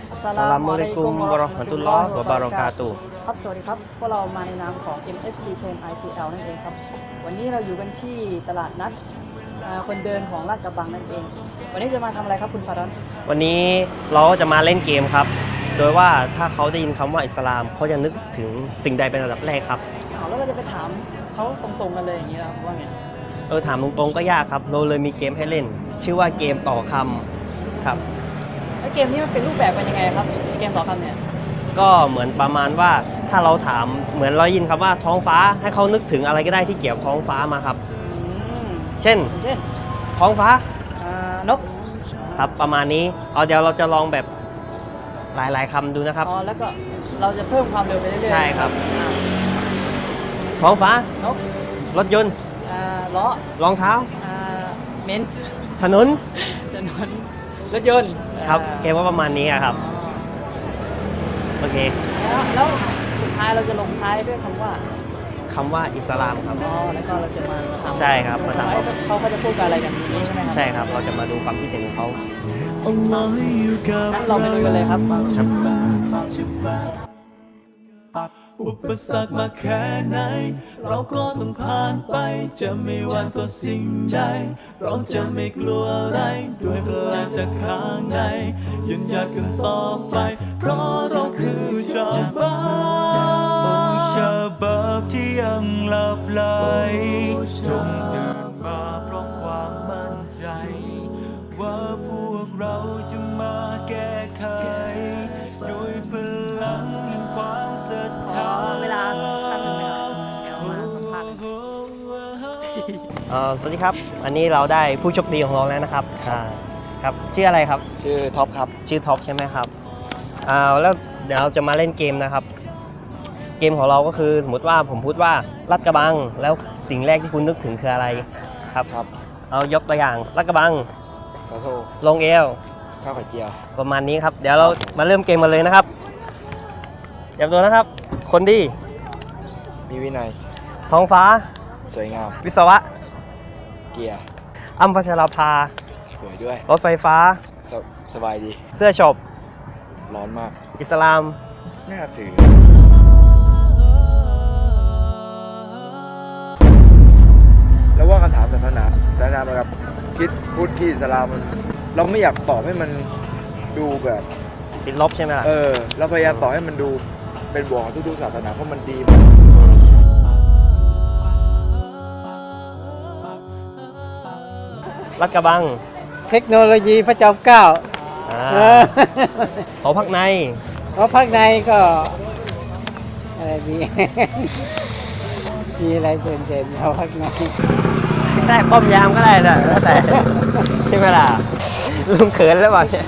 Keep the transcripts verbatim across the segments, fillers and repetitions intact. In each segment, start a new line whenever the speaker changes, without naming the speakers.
อัสสลามุอะลัยกุมวะเราะห์มะตุลลอฮ์วะบารอกาตุฮ์ครับสวัสดีครับพวกเรามาในนามของ เอ็ม เอส ซี Pen ไอ ที แอล นั่นเองครับวันนี้เราอยู่กันที่ตลาดนัดคนเดินของลาดกระบังนั่นเองวันนี้จะมาทำอะไรครับคุณฟารอน
วันนี้เราจะมาเล่นเกมครับโดยว่าถ้าเขาได้ยินคำว่าอิสลามเขาจะนึกถึงสิ่งใดเป็นอันดับแรกครับ
อ้าวแล้วเราจะไปถามเขาตรงๆกันเลยอย่างนี้แล้วว่าไง
เออถามตรงๆก็ยากครับเราเลยมีเกมให้เล่นชื่อว่าเกมต่อคำครับ
แล้วเกมนี้มันเป็นรูปแบบเป็นยังไงครับเกมต่อคำเนี่ย
ก็เหมือนประมาณว่าถ้าเราถามเหมือนเรายินคำว่าท้องฟ้าให้เขานึกถึงอะไรก็ได้ที่เกี่ยวกับท้องฟ้ามาครับเช่น
เช่น
ท้องฟ้าน
ก
ครับประมาณนี้เอาเดี๋ยวเราจะลองแบบหลายๆคำดูนะครับ
อ๋อแล้วก็เราจะเพิ่มความเร็วไปเรื่อยๆ
ใช่ครับท้องฟ้าน
ก
รถยนต์
ล้อ
รองเท้า
เมน
ถนน
ถนนรถยนต์
ครับเกมว่าประมาณนี้ครับโอเค
แล้วแล้วสุดท้ายเราจะลงท้ายด้วยคำว่า
คำว่าอิสลามครับ
อ๋อแล้วก็เราจะมาถาม
ใช่ครับมาถาม
เขาเขาจะพูดอะไรกันนี้ใช่ไหมครับ
ใช่ครับเราจะมาดูความคิดเห็นของเขา
งั้นเราไปดูกันเลยครับ
อุปสรรคมาแค่ไหนเราก็ต้องผ่านไปจะไม่หวั่นต่อสิ่งใดเราจะไม่กลัวอะไรด้วยพลังจากข้างในยืนหยัดกันต่อไปเพราะเราคือชาวบ้านชาวบ้านที่ยังหลับไหลจงตื่นมาพร้อมความมั่นใจว่าพวกเราจะมาแก้ไขด้วยพลังแห่งความศรัทธา
เวลาสักหนึ่งเดี๋ยวมาสัมภาษณ์
สวัสดีครับอันนี้เราได้ผู้โชคดีของเราแล้วนะครับครับชื่ออะไรครับ
ชื่อท็อปครับ
ชื่อท็อปใช่ไหมครับอ่าแล้วเดี๋ยวเราจะมาเล่นเกมนะครับเกมของเราก็คือสมมติว่าผมพูดว่าลาดกระบังแล้วสิ่งแรกที่คุณนึกถึงคืออะไรครับ
ครับ
เอายกตัวอย่างลาดกระบัง
สาโท
ลงเอว
ข้าวไข่เจียว
ประมาณนี้ครับเดี๋ยวเรามาเริ่มเกมกันเลยนะครับเตรียมตัวนะครับคนดี
มีวินัย
ท้องฟ้า
สวยงาม
วิศวะ
เกียร์
อัมพชราภา
สวยด้วย
รถไฟฟ้า
ส, สบายดี
เสื้อช็อป
ร้อนมาก
อิสลาม
น่าถือแล้วว่าคำถามศาสนาศาสนาแบบคิดพูดที่อิสลามมันเราไม่อยากตอบให้มันดูแบบ
ติดลบใช่ไหมล่ะ
เออเราพยายามตอบให้มันดูเป็นบวกของทุกๆศาสนาเพราะมันดี
ลาดกระบัง
เทคโนโลยีพระจอมเกล้า
หอพักใน
หอพักในก็อะไรดีมีอะไรเด่นๆหอพักใน
ได้ป้อมยามก็ได้นะแล้วแต่ใช่ไหมล่ะลุงเขินแล้วบอกเนี่ย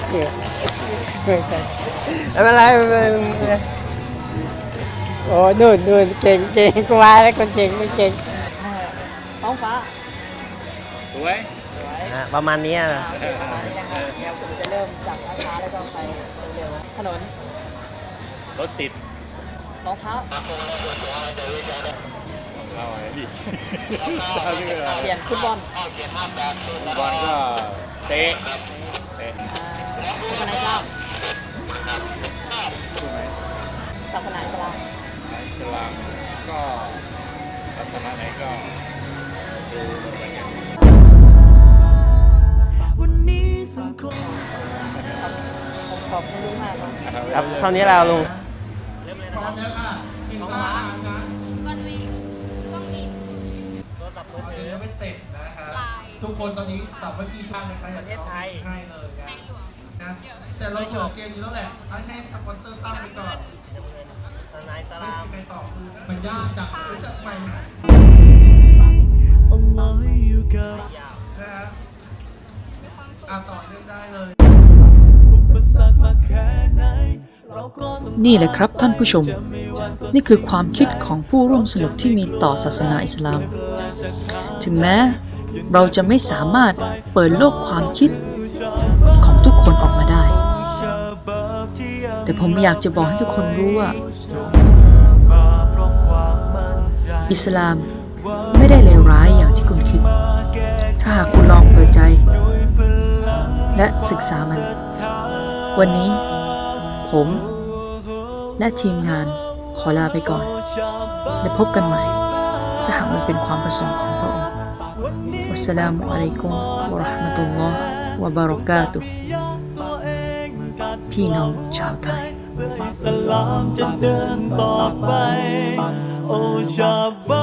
ไม่เป็นไรไม่เป็นไร
โอ้นู่นนู่นเก่งเก่งกูมาแล้วคนเก่งไม่เก่งท้องฟ้า
สวย
ประมาณนี้
นะเดี๋ยวผมจะเริ่มจากช้าๆแล้วก็ไปเร็วๆถนน
รถติด
รองเท้า
เอาไว้ดิ
เปลี่ยนฟุตบอล
ฟุตบอลก็เตะเตะ
ศาสนาอิสลามศาสนาอิสลาม
อิสลามก็ศาสนาไหนก็ดูเหมือนกัน
วันนี้สังคม
ผมขอบคุณลุงมากครับ
ครับเท่านี้แล้วลุง
เริ่มเลยนะครับท้องฟ้าวันวีต้องมีโทรศัพท์มือถือ
ไม่ติดนะครับทุกคนตอนนี้ตอบว่าที่ข้างนะครับอยากจะให้ให้เลยนะแต่เราโชว์เกมอยู่แล้วแหละให้ให้สปอนเซอร์ตั้งไปก่อนไม่มีใครตอบคือมันยากจังจะจัดใหม่นะฮะอ่ะต่อเรื่องได้เลย
นี่แหละครับท่านผู้ชมนี่คือความคิดของผู้ร่วมสนุกที่มีต่อศาสนาอิสลามถึงแม้เราจะไม่สามารถเปิดโลกความคิดของทุกคนออกมาได้แต่ผมอยากจะบอกให้ทุกคนรู้ว่าอิสลามไม่ได้เลวร้ายอย่างที่คุณคิดถ้าหากคุณลองเปิดใจและศึกษามันวันนี้ผมและทีมงานขอลาไปก่อน และพบกันใหม่ ถ้าหากมันเป็นความประสงค์ของพระองค์วัสสลามุอะลัยกุมวะเราะห์มะตุลลอฮ์วะบะเราะกาตุฮ์พี่น้องชาวไทย
อิสลามจะเดินต่อไป โอชาบะ